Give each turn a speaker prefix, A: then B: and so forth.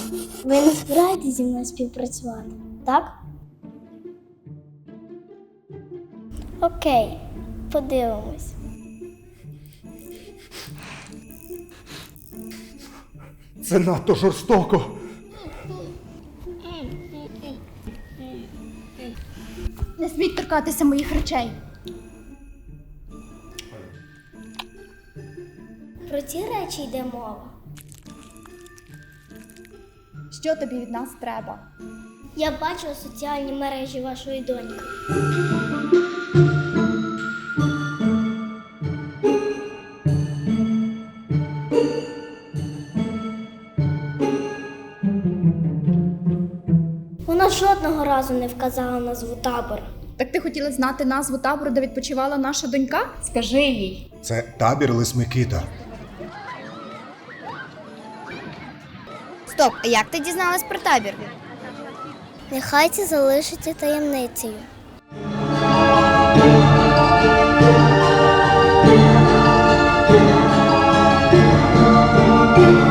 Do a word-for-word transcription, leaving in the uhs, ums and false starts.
A: Ви не збираєтесь зі мною співпрацювати, так? Окей, подивимось.
B: Це надто жорстоко.
C: Не сміть торкатися моїх речей.
A: Про ці речі йде мова.
C: Що тобі від нас треба?
A: Я бачила соціальні мережі вашої доньки. Вона жодного разу не вказала назву табору.
C: Так ти хотіла знати назву табору, де відпочивала наша донька? Скажи їй.
B: Це табір Лисмикита.
D: Стоп, а як ти дізналась про табір?
A: Нехай це залишиться таємницею.
D: Thank you.